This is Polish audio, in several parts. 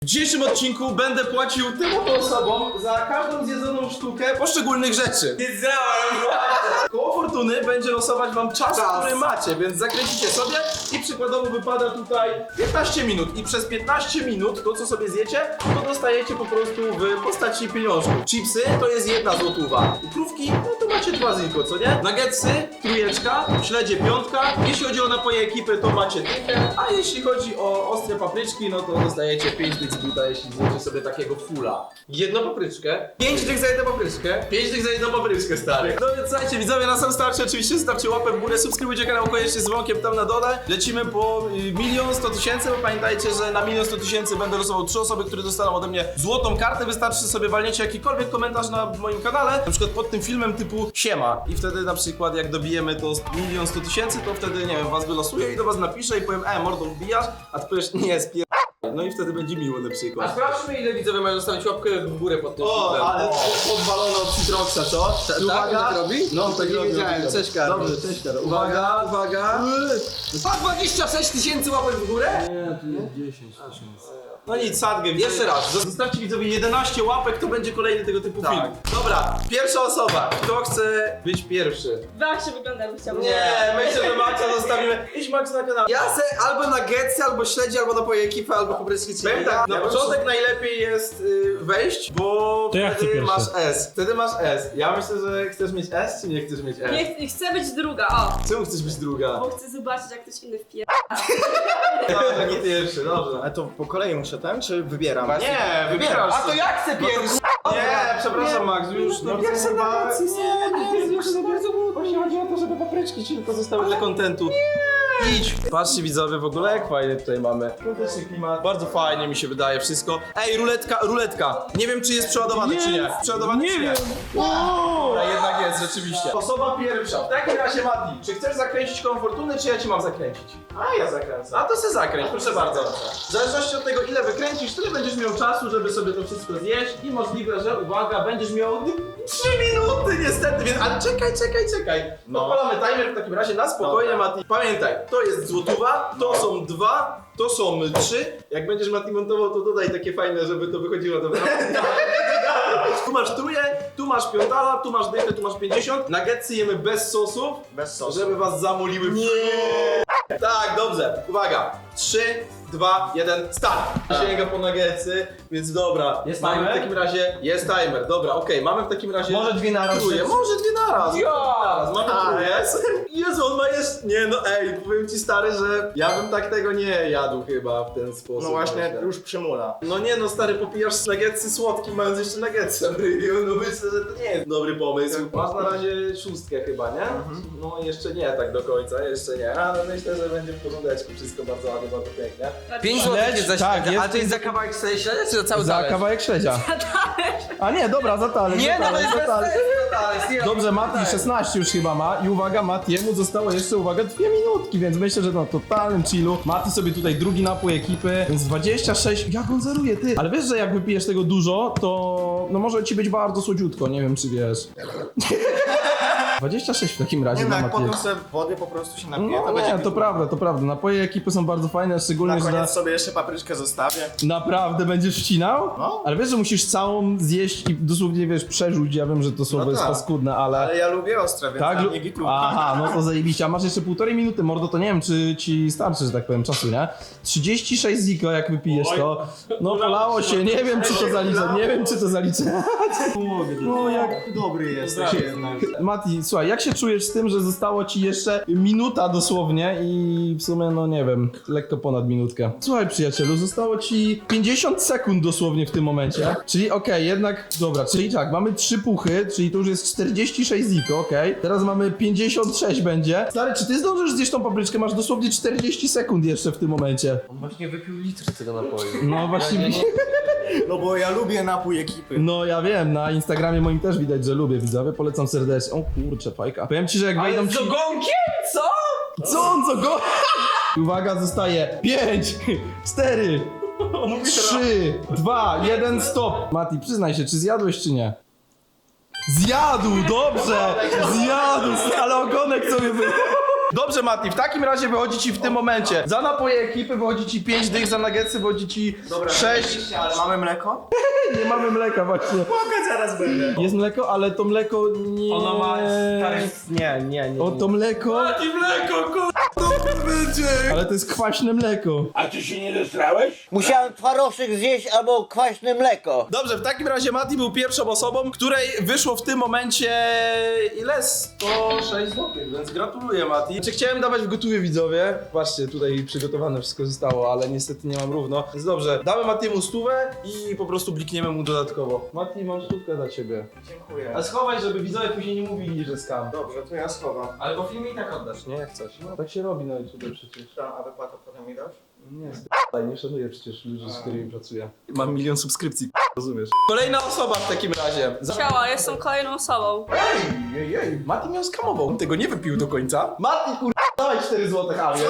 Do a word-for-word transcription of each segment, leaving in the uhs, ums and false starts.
W dzisiejszym odcinku będę płacił tym oto osobom za każdą zjedzoną sztukę poszczególnych rzeczy. Wiedziałem! Koło fortuny będzie losować wam czas, Czas. który macie, więc zakręcicie sobie i przykładowo wypada tutaj piętnaście minut. I przez piętnaście minut to, co sobie zjecie, to dostajecie po prostu w postaci pieniążków. Chipsy to jest jedna złotówa. Krówki, no to macie dwa ziko, co nie? Nuggetsy, trójeczka, śledzie piątka. Jeśli chodzi o napoje ekipy, to macie dychę, a jeśli chodzi o ostre papryczki, no to dostajecie pięć dych z buta, jeśli zjecie sobie takiego fulla. Jedną papryczkę, pięć dych za jedną papryczkę, pięć dych za jedną papryczkę, stary. No więc słuchajcie, widzowie, na sam starcie oczywiście zostawcie łapę w górę, subskrybujcie kanał koniecznie z dzwonkiem tam na dole. Lecimy po y, milion sto tysięcy, bo pamiętajcie, że na milion sto tysięcy będę losował trzy osoby, które dostaną ode mnie złotą kartę. Wystarczy, że sobie walniecie jakikolwiek komentarz na moim kanale, na przykład pod tym filmem typu siema. I wtedy na przykład jak dobijemy to milion sto tysięcy, to wtedy, nie wiem, was wylosuję i do was napiszę i powiem, e, mordą wbijasz, a ty powiesz, nie, spier... No i wtedy będzie miło na A przykład. sprawdźmy, ile widzowie mają zostawić łapkę w górę pod tym O, filmem. ale podwalono od Citroxa, co? Tak? Tak robi? No, tak nie robią, wiedziałem. robią. Cześć, Karol. Dobrze, cześć, Karol. Uwaga, uwaga. Pa dwadzieścia sześć tysięcy łapek w górę? Nie, tu jest dziesięć tysięcy. No nic, sadgę. Jeszcze raz. Zostawcie widzowie jedenaście łapek, to będzie kolejny tego typu Tak. film. Dobra, pierwsza osoba. Kto chce być pierwszy? Jak się wygląda, bym chciała. Nie, myślę, że Maxa zostawimy. Idź Max na kanał. Ja se albo nuggetsy, albo śledzi, albo napoje ekipy, albo papryczki chili. Powiem tak, na Ja początek najlepiej jest y, wejść, bo To ja chcę wtedy pierwszy. masz S. Wtedy masz S. Ja myślę, że chcesz mieć S, czy nie chcesz mieć S? Nie, ch- chcę być druga, o. Czemu chcesz być druga? Bo chcę zobaczyć, jak ktoś inny wpier... Tak, nie pierwszy, dobrze. Ale to po kolei muszę ten, czy wybieram? Nie, wybierasz. A to ja chcę pierwszy! Nie, przepraszam Max, już no, pierwsze chyba- wakacje, Nie, nie, już za bardzo było. Właśnie chodzi o to, żeby papryczki ci tylko zostały dla kontentu. Idź! Patrzcie widzowie, w ogóle jak fajnie tutaj mamy. Świąteczny klimat. Bardzo fajnie mi się wydaje wszystko. Ej, ruletka, ruletka. Nie wiem, czy jest przeładowany, czy nie. Przeładowany, Nie czy nie. wiem. Dobra, jednak jest, rzeczywiście. Osoba pierwsza. W takim razie, Mati, czy chcesz zakręcić koło fortuny, czy ja ci mam zakręcić? A, ja zakręcę. A to se zakręć, proszę bardzo. W zależności od tego, ile wykręcisz, tyle będziesz miał czasu, żeby sobie to wszystko zjeść i możliwe, że, uwaga, będziesz miał trzy minuty niestety, więc... Ale czekaj, czekaj, czekaj. No. Odpalamy timer w takim razie na spokojnie, Mati. Pamiętaj, to jest złotówa, to są dwa, to są trzy. Jak będziesz, Mati, montował, to dodaj takie fajne, żeby to wychodziło dobra. Tu masz truje, tu masz piątala, tu masz dychę, tu masz pięćdziesiąt. Nuggetsy jemy bez sosów, Bez sosu. żeby was zamoliły w... Nie. Tak, dobrze. Uwaga. trzy, dwa, jeden, start. Sięga po nuggetsy, więc dobra. Jest mamy timer? w takim razie, jest timer. Dobra, okej, mamy w takim razie... Może dwie naraz. Truje, może dwie naraz. Ja! Naraz. Mamy Tak. truje. Jezu, on ma jeszcze... Nie no, ej, powiem ci stary, że ja bym tak tego nie jadł chyba w ten sposób. No właśnie, myślę. już przymula. No nie no, stary, popijasz nuggetsy słodki, mając jeszcze nuggetsy. No myślę, że to nie jest dobry pomysł. Masz na razie szóstkę chyba, nie? No jeszcze nie tak do końca, jeszcze nie. Ale myślę, że będzie w porządeczku, wszystko bardzo ładnie, bardzo pięknie. pięć złotych jest za tak, śledzia, jest ale to jest za kawałek śledzia, czy za cały Za talerz? kawałek śledzia. A nie, dobra, za talerz. Nie, za no to talerz, jest za bez talerz. sensu, talerz, nie, Dobrze, no, Mati tak. szesnaście już chyba ma i uwaga, Matiemu zostało jeszcze, uwaga, dwie minutki, więc myślę, że no totalnym chillu. Mati sobie tutaj drugi napój ekipy, więc dwadzieścia sześć, jak on zeruje, ty. Ale wiesz, że jak wypijesz tego dużo, to no może ci być bardzo słodziutko, nie wiem czy wiesz. dwadzieścia sześć w takim razie Nie no, dla jak Matiego. potem sobie wody po prostu się napije, to No będzie nie, to prawda, to prawda. Napoje ekipy są bardzo fajne, szczególnie, Na że koniec sobie jeszcze papryczkę zostawię. naprawdę będziesz wcinał? No. Ale wiesz, że musisz całą zjeść i dosłownie, wiesz, przerzuć. Ja wiem, że to słowo No jest tak. paskudne, ale... Ale ja lubię ostre, więc Tak? tak, lu- nie gitu. Aha, no to zajebiście. A masz jeszcze półtorej minuty, mordo, to nie wiem, czy ci starczy, że tak powiem, czasu, nie? trzydzieści sześć ziko, jak wypijesz to. No polało się, nie wiem, czy to zaliczę, nie wiem, czy to zaliczę. No jak dobry jesteś jednak. Mati, słuchaj, jak się czujesz z tym, że zostało ci jeszcze minuta dosłownie i w sumie, no nie wiem, lekko ponad minutkę. Słuchaj, przyjacielu, zostało ci pięćdziesiąt sekund dosłownie w tym momencie. Czyli okej, jednak, dobra, czyli tak, mamy trzy puchy, czyli to już jest czterdzieści sześć ziko, okej. Teraz mamy pięćdziesiąt sześć będzie. Stary, czy ty zdążysz zjeść tą papryczkę? Masz dosłownie czterdzieści sekund jeszcze w tym momencie. On właśnie wypił litr z tego napoju. No właśnie, No bo ja lubię napój ekipy. no ja wiem, na Instagramie moim też widać, że lubię, widzowie, polecam serdecznie. O kurczę, fajka. Powiem ci, że jak A wejdą jest ci... z ogonkiem? Co? Co on, co go? Uwaga, zostaje pięć, cztery, trzy, dwa, jeden, stop. Mati, przyznaj się, czy zjadłeś, czy nie? Zjadł, dobrze! Zjadł, ale ogonek sobie wy... Dobrze, Mati, w takim razie wychodzi ci w tym momencie. Za napoje ekipy wychodzi ci pięć dych, za nuggetsy wychodzi ci sześć. Ale mamy mleko? Nie mamy mleka właśnie. Mogę, zaraz będę. Jest mleko, ale to mleko nie... Ono ma... Nie, nie, nie. O, to mleko... Mati mleko, kur... Ale to jest kwaśne mleko. A ty się nie zestrałeś? Musiałem twarożek zjeść albo kwaśne mleko. Dobrze, w takim razie Mati był pierwszą osobą, której wyszło w tym momencie... Ile? sto sześć złotych, więc gratuluję, Mati. Czy chciałem dawać w gotowie, widzowie? Patrzcie, tutaj przygotowane wszystko zostało, ale niestety nie mam równo. Więc dobrze, damy Matiemu stówę i po prostu blikniemy mu dodatkowo. Mati, mam stówkę dla ciebie. Dziękuję. A schowaj, żeby widzowie później nie mówili, że skam. Dobrze, to ja schowam. Ale po filmie i tak oddasz, nie? Jak coś. No, tak się robi na YouTube przecież. A wypłatę potem mi dasz? Nie, sp***aj, nie szanuję przecież ludzi, z którymi pracuję. Mam milion subskrypcji, rozumiesz? Kolejna osoba w takim razie. Za... Ciała, jestem kolejną osobą. Ej, ej, ej, Mati miał skamował. On tego nie wypił do końca. Mati, kur... dawaj cztery złote, Javier.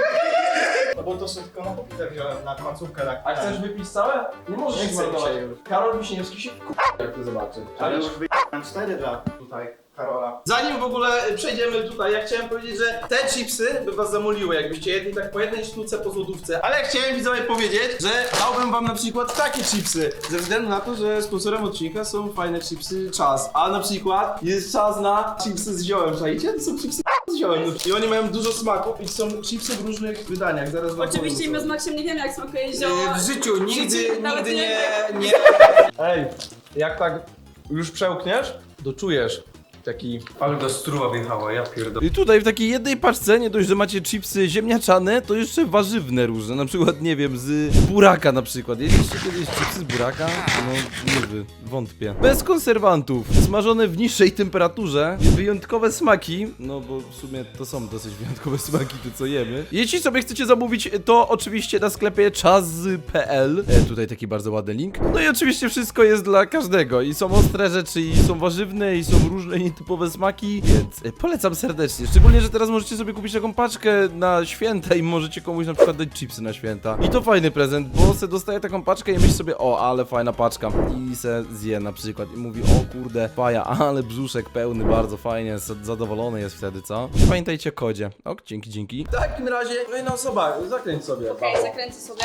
No bo to sobie tylko na popitę wziąłem, na końcówkę tak. A chcesz wypić całe? Nie możesz Nie ich chcę zmarnować. dzisiaj już. Karol Wiśniewski się kur... jak to zobaczy. Ale już wyjąłem cztery dla tutaj Karola. Zanim w ogóle przejdziemy tutaj, ja chciałem powiedzieć, że te chipsy by was zamoliły, jakbyście jedli tak po jednej sztuce po złotówce. Ale chciałem widzowie powiedzieć, że dałbym wam na przykład takie chipsy. Ze względu na to, że sponsorem odcinka są fajne chipsy Czas. A na przykład jest czas na chipsy z ziołem, czajcie? To są chipsy z ziołem. I oni mają dużo smaku i są chipsy w różnych wydaniach. Zaraz wam Oczywiście powiem, my co. z Maksiem nie wiemy, jak smakuje zioło. W życiu nigdy, Nawet nigdy nie nie, nie... Ej, jak tak już przełkniesz, to czujesz taki... Ale do struwa wjechała, ja pierdolę. I tutaj w takiej jednej paczce nie dość, że macie chipsy ziemniaczane, to jeszcze warzywne różne, na przykład, nie wiem, z buraka na przykład. Jedliście kiedyś chipsy z buraka? No, nie wy, wątpię. Bez konserwantów, smażone w niższej temperaturze, wyjątkowe smaki, no bo w sumie to są dosyć wyjątkowe smaki, te co jemy. Jeśli sobie chcecie zamówić, to oczywiście na sklepie czas kropka p l. E, tutaj taki bardzo ładny link. No i oczywiście wszystko jest dla każdego i są ostre rzeczy, i są warzywne, i są różne nietypowe smaki, więc e, polecam serdecznie. Szczególnie, że teraz możecie sobie kupić taką paczkę na święta i możecie komuś na przykład dać chipsy na święta. I to fajny prezent, bo se dostaje taką paczkę i myśli sobie, o, ale fajna paczka. I se zje na przykład i mówi, o kurde, faja, ale brzuszek pełny, bardzo fajnie, zadowolony jest wtedy, co? I pamiętajcie o kodzie. Ok, dzięki, dzięki. W takim razie, kolejna osoba, zakręć sobie. Okej, zakręcę sobie.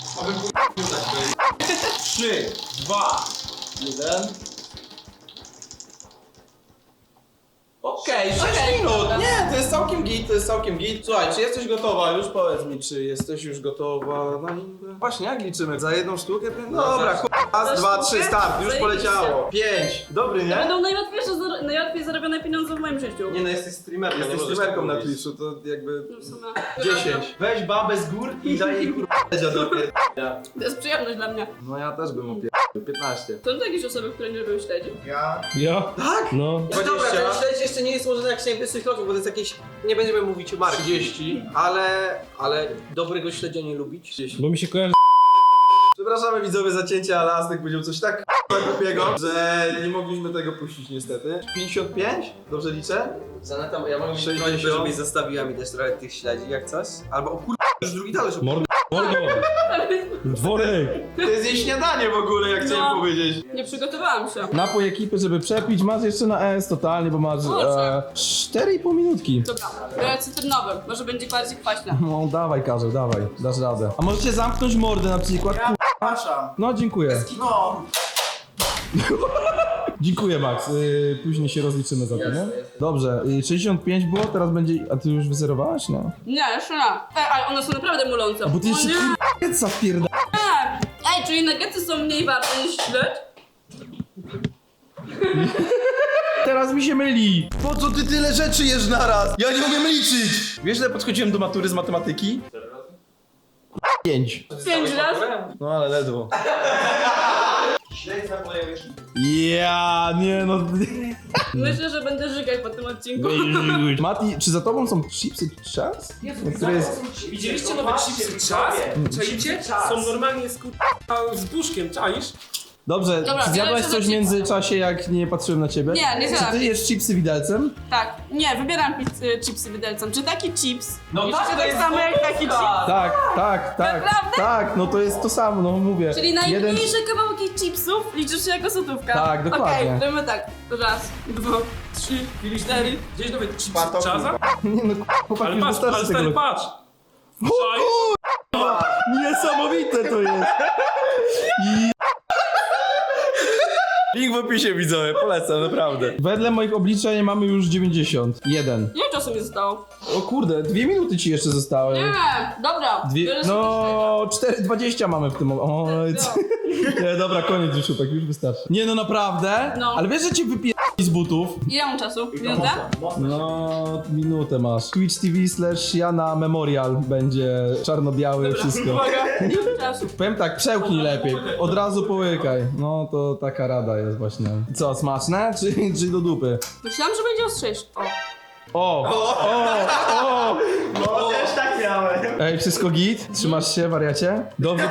trzy, dwa, jeden. Okej, sześć Okej, minut. dobra. Nie, to jest całkiem git, to jest całkiem git. Słuchaj, czy jesteś gotowa? Już powiedz mi, czy jesteś już gotowa na liczbę? Właśnie, jak liczymy? Za jedną sztukę? No dobra, ch... raz, Za dwa, sztukę? trzy, start, już Zajebiście. poleciało. Pięć. Dobry, To nie? będą najłatwiejsze, zar- najłatwiej zarobione pieniądze w moim życiu. Nie no, jesteś streamerką, Jesteś nie możesz streamerką tak na mówić. Twitchu, to jakby... No w sumie. dziesięć. Weź babę z gór i daj jej kurwa dziadokie. To jest przyjemność dla mnie. No ja też bym opierdolił. piętnaście. To są jakieś osoby, które nie lubią śledzić. Ja... Ja? Tak? No. No dobra, ten śledź jeszcze nie jest złożony jak siedemdziesiąt kroków, bo to jest jakieś, nie będziemy mówić o marki, trzydzieści. ale, ale dobrego śledzia nie lubić. Bo mi się kojarzy. Przepraszamy widzowie za cięcie, ale Aztek powiedział coś tak głupiego, że nie mogliśmy tego puścić niestety. pięćdziesiąt pięć? Dobrze liczę? Zaneta, ja mogę mieć sześćdziesiąt. prośbę, żebyś zostawiła mi też trochę tych śledzi jak coś. Albo o kur... już drugi talerz. Mordo, dworek! To jest jej śniadanie w ogóle, jak chciałem No. powiedzieć. Nie przygotowałam się. Napój ekipy, żeby przepić, masz jeszcze na S totalnie, bo masz e, cztery i pół minutki. Dobra, biorę cytrynowy, może będzie bardziej kwaśne. No dawaj Karzeł, dawaj, dasz radę. A możecie zamknąć mordę na przykład? Przepraszam. No dziękuję. No. Dziękuję Max, y, później się rozliczymy za to, nie? Dobrze, y, sześćdziesiąt pięć było, teraz będzie... A ty już wyzerowałaś? No. Nie, jeszcze nie. Ej, ale one są naprawdę mulące. A bo ty O jeszcze nie. k***a wpierda... Nie. Ej, czyli nuggetsy są mniej warte niż śledź? Teraz mi się myli! Po co ty tyle rzeczy jesz naraz? Ja nie umiem liczyć! Wiesz, że podchodziłem do matury z matematyki? Pięć. Pięć razy? No ale ledwo. Śledź zaplejujesz. Ja nie no... Myślę, że będę żygać po tym odcinku. Mati, czy za tobą są chipsy czas? Które jest... Widzieliście nowe chipsy czas? Czaicie? Są normalnie z, ku- z buszkiem, czaisz? Dobrze, Dobra, czy zjadłaś biorę się coś w za międzyczasie, jak nie patrzyłem na ciebie? Nie, nie Czy zjadłam. ty jesz chipsy widelcem? Tak, nie, wybieram pizz, y, chipsy widelcem. Czy taki chips? No Jeszcze tak, to tak jest samo jak taki chips? Tak, tak, tak. Naprawdę? Tak, no to jest to samo, no mówię. Czyli Jeden... najmniejsze kawałki chipsów liczysz się jako złotówka. Tak, dokładnie. Okej, robimy tak. Raz, dwa, trzy, cztery. Gdzieś nawet chips Pato, czaza? Nie no, chłopak, Ale już patrz, wystarczy ale tego. stary, patrz! Niesamowite to jest. Link w opisie widzowie, polecam, naprawdę. Wedle moich obliczeń mamy już dziewięćdziesiąt jeden. Ile czasu mi zostało? O kurde, dwie minuty ci jeszcze zostały. Nie, dobra. Dwie, biorę sobie no, cztery dwadzieścia mamy w tym momencie. Oj, No. co- Nie, dobra, koniec już, chłopak, już wystarczy. Nie no, naprawdę? No. Ale wiesz, że cię wypie... z butów? Ile mam czasu? Minutę? No, minutę masz. Twitch T V slash Jana Memorial będzie czarno-białe wszystko. Uwaga, nie mam czasu. Powiem tak, przełknij lepiej, od razu połykaj. No to taka rada jest właśnie. Co, smaczne czy, czy do dupy? Myślałam, że będzie ostrzejszy. O. O, o, o! No też tak miałem. Ej, wszystko git? Trzymasz się, wariacie? Dobrze.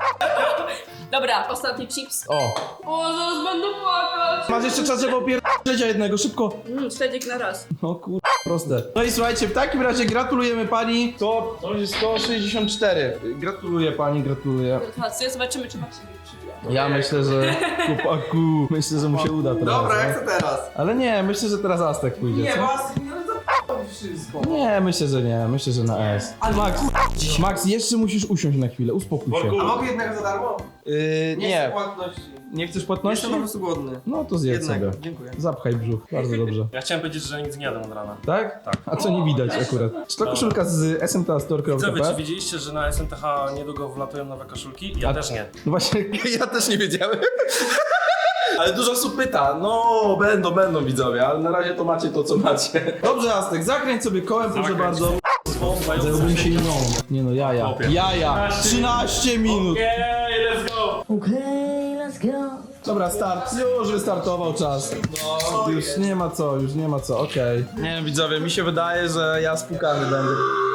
Dobra, ostatni chips. O, O, zaraz będę płakać. masz jeszcze czas, żeby opierdolić jednego, szybko. Mm, śledziek na raz. No kur... proste. No i słuchajcie, w takim razie gratulujemy pani. To, to jest sto sześćdziesiąt cztery. Gratuluję pani, gratuluję. Gratulacje, zobaczymy, czy Max się przybija. Ja myślę, że chłopaku, myślę, że mu się uda teraz. Dobra, no. jak to teraz? Ale nie, myślę, że teraz Aztek pójdzie. Nie, co? was nie wszystko. Nie, myślę, że nie, myślę, że na S. Ale Max, Max, jeszcze musisz usiąść na chwilę, uspokój się. A mogę jednego za darmo? Yy, nie, płatności. nie chcesz płatności? Jestem po prostu głodny. No to zjedz Jednego, sobie. dziękuję. Zapchaj brzuch, bardzo dobrze. Ja chciałem powiedzieć, że nic nie jadłem od rana. Tak? Tak. A co nie widać akurat? Czy to koszulka z s m t store kropka Widzowie, p czy widzieliście, że na S M T H niedługo wlatują nowe koszulki? Ja A- też nie. No właśnie, Ja też nie wiedziałem. Ale dużo osób pyta, no będą, będą widzowie, ale na razie to macie to co macie. dobrze Aztek, zakręć sobie kołem, proszę Zakręć. bardzo. Zająłbym się inną. Nie no, jaja. Chłopie. Jaja, trzynaście minut. Okej, let's go! Dobra, start, już wystartował czas. No, już nie ma co, już nie ma co, okej. Nie wiem widzowie, mi się wydaje, że ja spukany będę.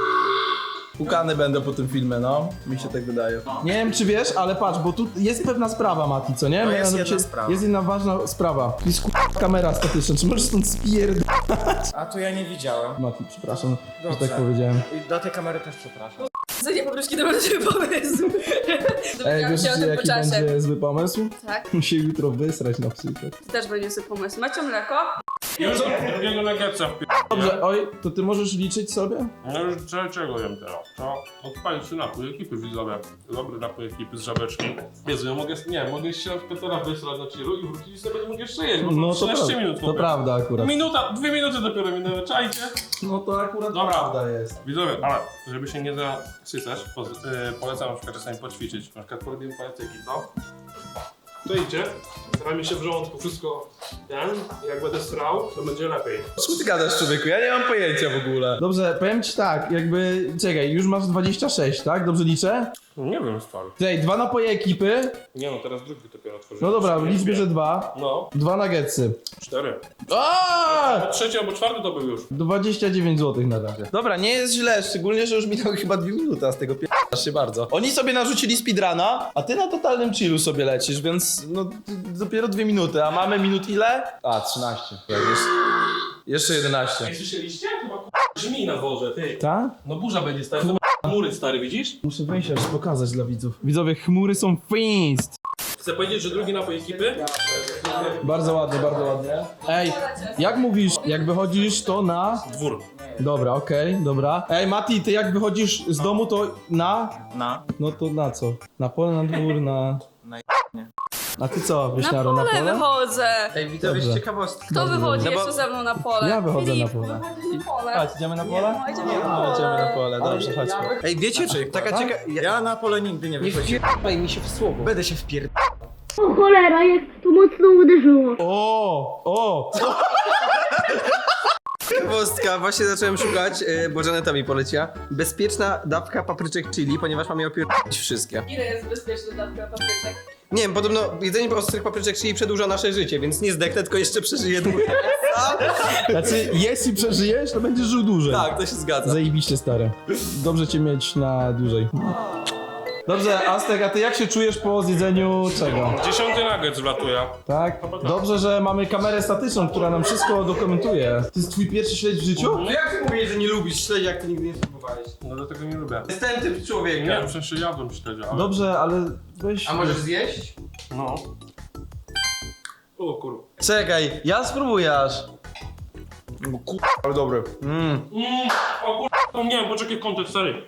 Spukany będę po tym filmie, no. Mi się tak wydaje. Nie wiem czy wiesz, ale patrz, bo tu jest pewna sprawa, Mati, co nie? No jest Mianowicie jedna sprawa. Jest jedna ważna sprawa. Tu jest k***a kamera statyczna, czy możesz stąd spierd... A to ja nie widziałem. Mati, przepraszam, że Dobrze. tak powiedziałem. I do tej kamery też przepraszam. Co nie poproszę, kiedy będzie pomysł. Ej, Dowiedziałam wiesz się o tym po jaki czasie. będzie zły pomysł? Tak, Musi jutro wysrać na przykład. to też będzie sobie pomysł. Macie mleko? Już drugiego nuggetsa w Dobrze, oj, to ty możesz liczyć sobie? No już cze- czego jem teraz? To odpalić się napój ekipy widzowie. Dobry napój ekipy z żabeczki. Jezu, ja mogę, nie, mogę się na przykład teraz wysrać na chillu i wrócić i sobie będę mógł jeszcze jeść, bo No no, to trzynaście prawda, minut. to chłopie. prawda akurat. Minuta, dwie minuty dopiero minęły, czajcie? No to akurat Dobra. prawda jest. Widzowie, ale żeby się nie zasycać, po, yy, polecam na przykład czasami poćwiczyć. Na przykład porobimy paletyki, co? To idzie, stara mi się w żołądku wszystko ten, jak będę srał, to będzie lepiej. Co ty gadasz człowieku? Ja nie mam pojęcia w ogóle. Dobrze, powiem ci tak, jakby, czekaj, już masz dwadzieścia sześć, tak? Dobrze liczę? No nie wiem, stary. Czekaj, dwa napoje ekipy, Nie no, teraz drugi dopiero otworzyłem. no dobra, w Nie liczbie, wiem. że dwa. No, Dwa nuggetsy. cztery. Aaaa! A trzeci albo czwarty to był już. dwadzieścia dziewięć złotych na razie. Dobra, nie jest źle, szczególnie, że już minęły chyba dwie minuty, a z tego p***asz się bardzo. Oni sobie narzucili speedruna, a ty na totalnym chillu sobie lecisz, więc no d- dopiero dwie minuty, a mamy minut ile? A, trzynaście. Tak, jeszcze, jeszcze jedenaście. Jak słyszeliście? Chyba k***a brzmi na dworze, ty. Tak? No burza będzie stary, to chmury stary, widzisz? Muszę wejść aż pokazać dla widzów. Widzowie, chmury są fińst. Chcę powiedzieć, że drugi napój ekipy? Bardzo ładnie, bardzo ładnie. Ej, jak mówisz, jak wychodzisz to na... Dwór. Dobra, okej, dobra. Ej, Mati, ty jak wychodzisz z domu to na... Na? No to na co? Na pole, na dwór, na... Na A ty co, Na Wiśniaro, na pole pole? wychodzę. Ej, widzowie, Dobrze. ciekawostka. Kto Dobrze, wychodzi dobrze. jeszcze ze mną na pole? Ja wychodzę Filip, na pole. wychodzisz na pole. Chodź, idziemy na pole? No, idziemy na No, pole. idziemy na pole, dobrze, chodźmy. Ej, wiecie, taka cieka... Ja na pole nigdy nie wychodziłem. Wpierdaj mi się w słowo. Będę się wpierd... O cholera, jak to mocno uderzyło. O, o! Ciekawostka, właśnie zacząłem szukać, yy, bo Janeta mi poleciła. Bezpieczna dawka papryczek chili, ponieważ mam je opierdolić wszystkie. Ile jest bezpieczna dawka papryczek? Nie wiem, podobno jedzenie ostrych papryczek chili przedłuża nasze życie, więc nie zdechnę, tylko jeszcze przeżyję dłużej. Znaczy, jeśli przeżyjesz, to będziesz żył dłużej. Tak, to się zgadza. Zajebiście stare. Dobrze cię mieć na dłużej. Dobrze, Aztek, a ty jak się czujesz po zjedzeniu czego? Dziesiąty nuggets wlatuje. Tak? Dobrze, że mamy kamerę statyczną, która nam wszystko dokumentuje. To jest twój pierwszy śledź w życiu? No jak ty mówisz, że nie lubisz śledzi, jak ty nigdy nie spróbowałeś? No dlatego nie lubię. Jest ten typ człowieka. Nie, w sensie jadłem śledzia, ale... Dobrze, ale weź... A możesz zjeść? No. O kurwa. Czekaj, ja spróbuję aż. Kur... ale dobry. Mm. Mm, o kurwa, nie wiem, poczekaj kontekst, stary.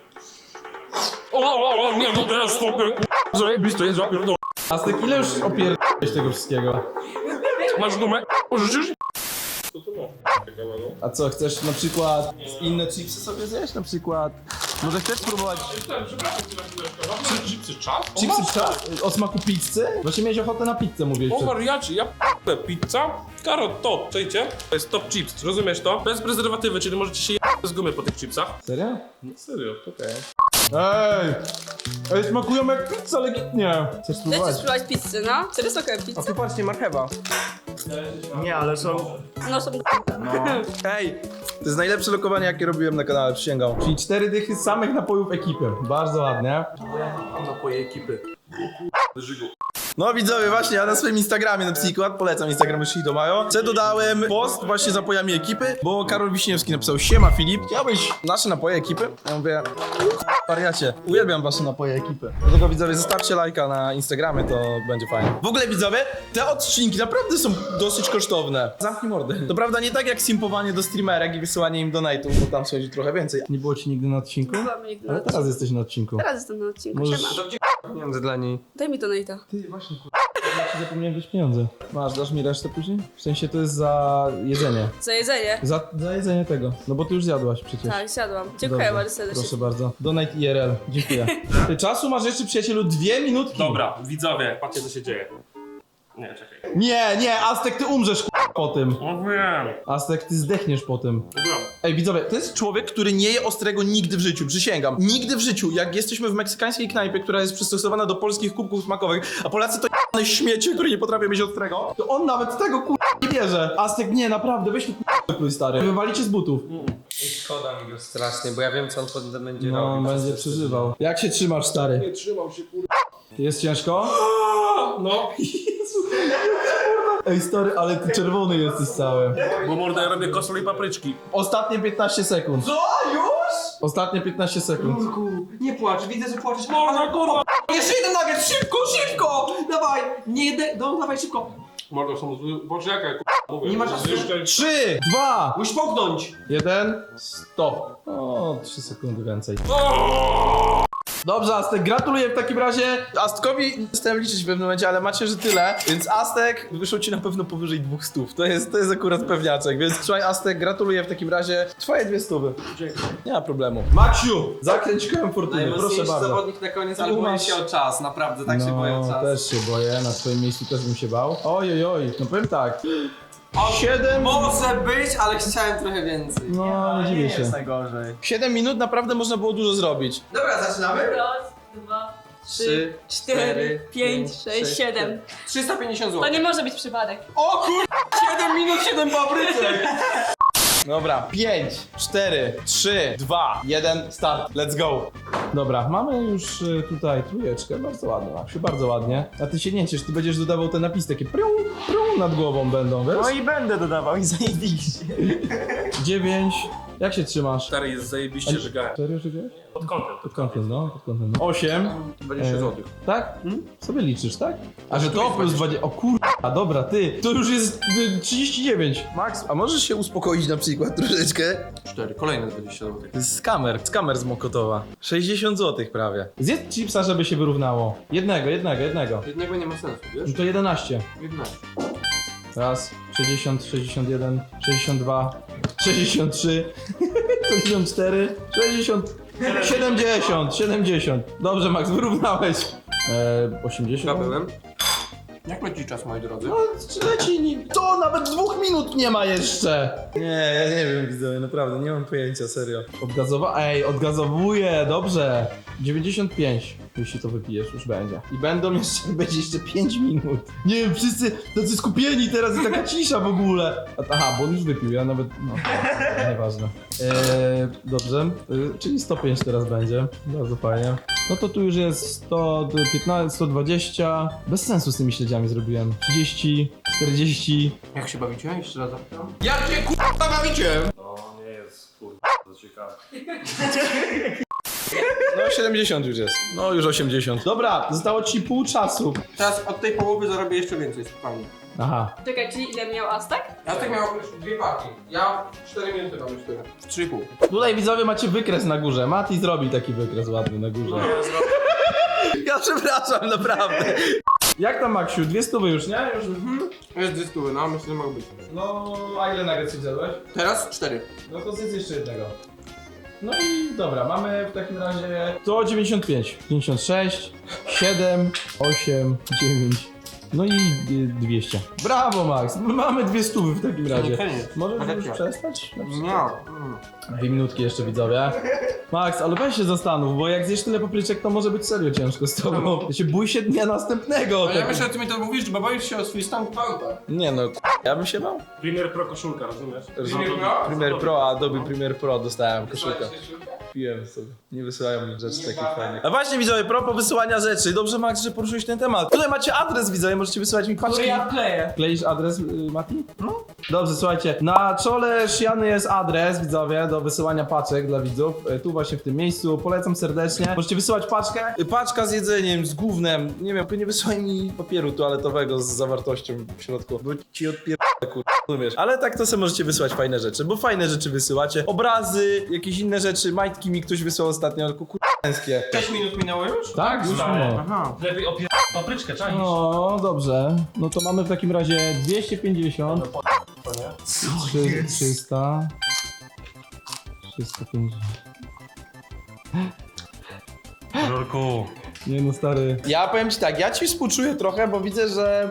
O, o, o, nie, no to jest super, kurwa, zajebiste jest, zapierdol. Aztek, ile już opierdoliłeś tego wszystkiego? Masz gumę? Możesz? Co to ma? A co, chcesz na przykład inne chipsy sobie zjeść? Na przykład... Może chcesz spróbować Przepraszam cię na chwileczkę, mam chipsy czas? chipsy o, o smaku pizzy? Właśnie miałeś ochotę na pizzę, mówiłeś. O przed- wariacie, ja p***ę, pizza, karot top, czujcie? To jest top chips, rozumiesz to? Bez prezerwatywy, czyli możecie się je***ć z gumy po tych chipsach. Serio? No serio, okej. Ej! Ej, smakują jak pizza, legitnie! Chcesz Chcesz spróbować? spróbować pizzę, no? Serio są okej A pizza? tu patrzcie, marchewa. Nie, ale są... No są... Ej! To jest najlepsze lokowanie, jakie robiłem na kanale, przysięgam. Czyli cztery dychy samych napojów ekipy. Bardzo ładnie. Napoje ekipy. Żygu. No widzowie, właśnie ja na swoim Instagramie na przykład, polecam Instagram Shido Mayo, co dodałem post właśnie z napojami ekipy, bo Karol Wiśniewski napisał: siema Filip, chciałbyś nasze napoje ekipy? Ja mówię, wariacie, uwielbiam wasze napoje ekipy. Dlatego widzowie, zostawcie lajka na Instagramie, to będzie fajnie. W ogóle widzowie, te odcinki naprawdę są dosyć kosztowne. Zamknij mordy. To prawda nie tak jak simpowanie do streamerek i wysyłanie im donate'ów, bo tam schodzi trochę więcej. Nie było ci nigdy na odcinku? Byłam nigdy na Ale odcinku. teraz jesteś na odcinku. Teraz jestem na odcinku, Możesz- siema. Pieniądze dla niej. Daj mi donate'a. Ty, właśnie, kur... Ja ci zapomniałem dać pieniądze. Masz, dasz mi resztę później? W sensie to jest za jedzenie. Za jedzenie. Za, za jedzenie tego. No bo ty już zjadłaś przecież. Tak, siadłam. Dziękuję Dobrze, bardzo serdecznie. Proszę bardzo. Donate I R L. Dziękuję. Ty czasu masz jeszcze, przyjacielu, dwie minutki. Dobra, widzowie, patrzcie co się dzieje. Nie, czekaj. Nie, nie, Aztek, ty umrzesz k***a, po tym. No wiem. Aztek, ty zdechniesz po tym. Dobra. Ej, widzowie, to jest człowiek, który nie je ostrego nigdy w życiu, przysięgam. Nigdy w życiu. Jak jesteśmy w meksykańskiej knajpie, która jest przystosowana do polskich kubków smakowych, a Polacy to j***ne śmiecie, które nie potrafią mieć ostrego, to on nawet tego k***a nie bierze. Aztek, nie, naprawdę, weź mi k***a pluj, stary. Wywalicie z butów. Szkoda mi go strasznie, bo ja wiem, co on potem będzie No, robił. będzie przeżywał. Jak się trzymasz, stary? Nie trzymał się, kurwa. Jest ciężko? No, Ej, stary, ale ty czerwony jesteś cały. bo morda ja robię kosol i papryczki. Ostatnie piętnaście sekund. Co? Już? Ostatnie piętnaście sekund. Kurku, nie płacz, widzę, że płaczesz. Morda, kurwa! Jeszcze jeden nugget, szybko, szybko! Dawaj, nie jeden, no dawaj szybko. Morda, są zły... Poczekaj, kurwa, mówię. Nie ma czasu. Jeszcze... Trzy, dwa, Musisz połknąć. jeden, stop. O, trzy sekundy więcej. Dobrze, Aztek, gratuluję w takim razie. Aztkowi chciałem liczyć w pewnym momencie, ale macie, że tyle. Więc Aztek wyszło ci na pewno powyżej dwóch stów. To jest, to jest akurat pewniaczek. Więc trzymaj, Aztek, gratuluję w takim razie. Twoje dwie stówy. Dziękuję. Nie ma problemu. Maksiu, zakręć kołem fortuny, proszę bardzo. zawodnik na koniec, ale Tu boję masz- się o czas, naprawdę, tak się boję o No, czas. też się boję, na twoim miejscu też bym się bał. Oj, oj, oj, no powiem tak. Siedem... Może być, ale chciałem trochę więcej. No, nie dziwię się. najgorzej. Siedem minut naprawdę można było dużo zrobić. Dobra, zaczynamy? Raz, dwa, trzy, cztery, pięć, sześć, siedem. trzysta pięćdziesiąt To złotych. nie może być przypadek. O kur... siedem minut, siedem papryczek. Dobra, pięć, cztery, trzy, dwa, jeden, start. Let's go. Dobra, mamy już y, tutaj trójeczkę, bardzo ładnie, Maksiu, bardzo ładnie. A ty się nie ciesz, ty będziesz dodawał te napisy takie priu, priu nad głową będą, wiesz? No i będę dodawał i zajebiście. Dziewięć, jak się trzymasz? Stary jest zajebiście żygałem. Serio, że wiesz? Pod kątem. Pod kątem, no, pod kątem. No. Osiem. dwadzieścia złotych. Tak? Sobie liczysz, tak? A że to plus dwadzieścia. O kurwa, dobra, ty. To już jest y, trzydzieści dziewięć. Max, a możesz się uspokoić na przykład troszeczkę? cztery, kolejne dwadzieścia złotych. To jest skamer, skamer z Mokotowa. sześćdziesiąt złotych prawie. Zjedz chipsa, żeby się wyrównało. Jednego, jednego, jednego. Jednego nie ma sensu, wiesz? No to jedenaście. jedenaście. Raz, sześćdziesiąt, sześćdziesiąt jeden, sześćdziesiąt dwa, sześćdziesiąt trzy, sześćdziesiąt cztery, sześćdziesiąt, siedemdziesiąt, siedemdziesiąt. Dobrze, Max, wyrównałeś. Eee, osiemdziesiąt. Zdobyłem. Jak leci czas, moi drodzy? No, leci, nie- to nawet dwóch minut nie ma jeszcze. Nie, ja nie wiem, widzowie, naprawdę, nie mam pojęcia, serio. Odgazowa... Ej, odgazowuje, dobrze. dziewięćdziesiąt pięć, jeśli to wypijesz, już będzie. I będą jeszcze, będzie jeszcze pięć minut. Nie wiem, wszyscy tacy skupieni teraz i taka cisza w ogóle. A- Aha, bo on już wypił, ja nawet, no, nieważne. Eee, dobrze, eee, czyli sto pięć teraz będzie, bardzo fajnie. No to tu już jest sto piętnaście, sto dwadzieścia. Bez sensu z tymi śledziami zrobiłem. trzydzieści, czterdzieści. Jak się bawicie? Jeszcze raz zapytam. Jak się k***a bawicie? No nie jest kurwa to ciekawe. No siedemdziesiąt już jest. No już osiemdziesiąt. Dobra, zostało ci pół czasu. Teraz od tej połowy zarobię jeszcze więcej, spokojnie. Aha. Czekaj, czyli ile miał Aztek? Ja tak miałem już dwie partie. Ja cztery minuty mam już tyle. trzy i pół. Tutaj widzowie macie wykres na górze. Mati zrobi taki wykres ładny na górze. Ja przepraszam, naprawdę. Jak tam, Maksiu? Dwie stówy już, nie? Już... Jest dwie stówy, no myślę, że mogą być. No, a ile nuggetsów zjadłeś? Teraz cztery. No to zjedz jeszcze jednego. No i dobra, mamy w takim razie sto dziewięćdziesiąt pięć, pięćdziesiąt sześć, siedem, osiem, dziewięć. No i y, dwieście. Brawo, Max! Mamy dwie stówy w takim razie. Możesz Ale już ja. przestać? No. Dwie minutki jeszcze, widzowie. Max, ale weź się zastanów, bo jak zjesz tyle papryczek, to może być serio ciężko z tobą. Ja się bój się dnia następnego. Ale ja tak- myślę, że ty mi to mówisz, bo boisz się o swój stan gwałta. Nie no, ja bym się bał. Premier Pro koszulka, rozumiesz? Premier Pro? Premier Pro, Adobe Premier Pro dostałem koszulkę. Piłem sobie. Nie wysyłają mi rzeczy takich fajnych. A właśnie widzowie, propos wysyłania rzeczy. Dobrze, Max, że poruszyłeś ten temat. Tutaj macie adres, widzowie, możecie wysyłać mi paczki. kleję. Kleisz adres, y, Mati? No. Dobrze, słuchajcie, na czole szyjany jest adres, widzowie, do wysyłania paczek dla widzów. Y, Tu właśnie w tym miejscu, polecam serdecznie. Możecie wysyłać paczkę. Y, Paczka z jedzeniem, z gównem. Nie wiem, tylko nie wysyłaj mi papieru toaletowego z zawartością w środku, bo ci odpierdolę, kur... rozumiesz. Ale tak to sobie możecie wysłać fajne rzeczy, bo fajne rzeczy wysyłacie. Obrazy, jakieś inne rzeczy, majtki mi ktoś wysłał ostatnio, tylko kurczęskie. sześć minut minęło już? Tak, już Stary. no. Aha. Lepiej opier... papryczkę, czaisz? No, dobrze. No to mamy w takim razie dwieście pięćdziesiąt, trzy- trzysta, trzysta pięćdziesiąt. Rurku. Nie no, stary. Ja powiem ci tak, ja ci współczuję trochę, bo widzę, że...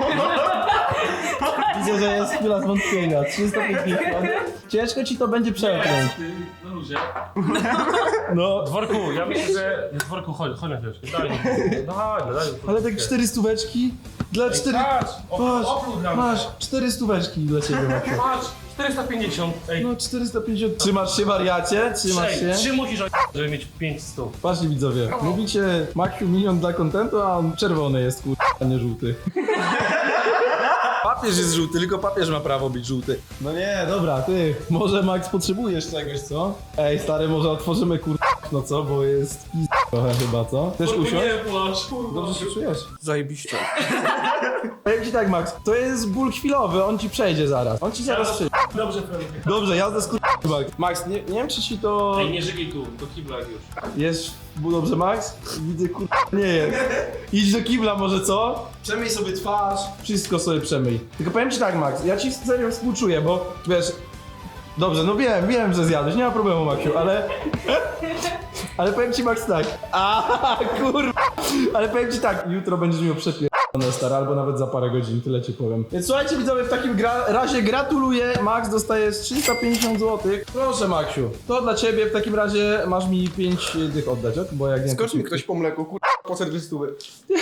widzę, że jest chwila zwątpienia. trzysta pięćdziesiąt. Ciężko ci to będzie przełknąć. Na luzie. No, Dworku, ja myślę, że... Dworku, chodź, chodź na chwileczkę, daj mi. Daj, daj. ale tak cztery stóweczki dla cztery... Patrz, Patrz, oprócz dla mnie. masz cztery stóweczki dla ciebie, Maciu. Patrz, czterysta pięćdziesiąt. Ej, No, czterysta pięćdziesiąt. Trzymasz się, wariacie? Trzymasz się? ej, trzy musisz o... żeby mieć pięć stów. Patrzcie widzowie, mówicie Maciu milion dla kontentu, a on czerwony jest, kur... a nie żółty. Papież jest żółty, tylko papież ma prawo być żółty. No nie, dobra, ty, może Max potrzebujesz czegoś, co? Ej, stary, może otworzymy kur... no co, bo jest pis... trochę chyba, co? Chcesz usiąść? Nie płacz. Dobrze się czujesz? Zajebiście. Powiem ci tak, Max, to jest ból chwilowy, on ci przejdzie zaraz. On ci zaraz przejdzie. Dobrze, Frank. Dobrze, jazda z kur... Max. Max, nie, nie wiem czy ci to... Ej, nie żygaj tu, do kibla już. Jest był dobrze, Max? Widzę, kur... nie jest. Idź do kibla może, co? Przemyj sobie twarz, wszystko sobie przemyj. Tylko powiem ci tak, Max, ja ci serio współczuję, bo wiesz... Dobrze, no wiem, wiem, że zjadłeś, nie ma problemu, Maxiu, ale... Ale powiem ci, Max, tak. A kurwa. Ale powiem ci tak, jutro będziesz miał przepierdolone, stary, albo nawet za parę godzin, tyle ci powiem. Więc słuchajcie, widzowie, w takim gra razie gratuluję. Max dostajesz trzysta pięćdziesiąt złotych. Proszę, Maxiu, to dla ciebie w takim razie masz mi pięć dych oddać, ok? Bo jak nie... Skocz mi ktoś po mleku, kur... po serwistówy.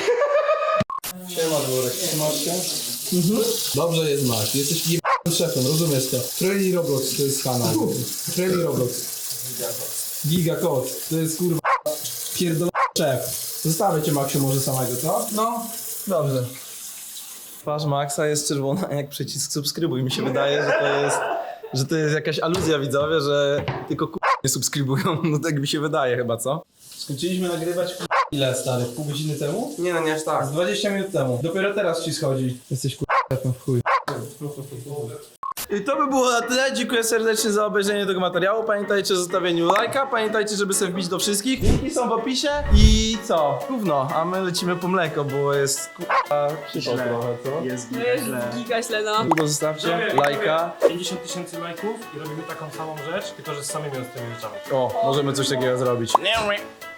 Siema, Dworek, trzymasz się? Mhm. Dobrze jest, Max, jesteś jebanym szefem, rozumiesz to. Freli Roblox to jest kanał. Freli Roblox. Giga Kod, to jest kurwa pierdolony szef. Zostawię cię, Maxiu, może samego, co? No. Dobrze. Twarz Maxa jest czerwona jak przycisk subskrybuj. Mi się wydaje, że to jest, że to jest jakaś aluzja, widzowie, że tylko kurwa nie subskrybują. No tak mi się wydaje chyba, co? Skończyliśmy nagrywać kurwa ile, stary? Pół godziny temu? Nie no, nie aż tak. Z dwadzieścia minut temu. Dopiero teraz ci schodzi. Jesteś kurwa szefem w chuj. I to by było na tyle. Dziękuję serdecznie za obejrzenie tego materiału. Pamiętajcie o zostawieniu lajka. Pamiętajcie, żeby sobie wbić do wszystkich. Linki są w opisie. I co? Gówno. A my lecimy po mleko, bo jest kurwa przypał trochę, co? Jest To jest giga źle, no. Długo zostawcie lajka. pięćdziesiąt tysięcy lajków i robimy taką samą rzecz, tylko że z samymi ostrymi rzeczami. O, możemy coś takiego zrobić.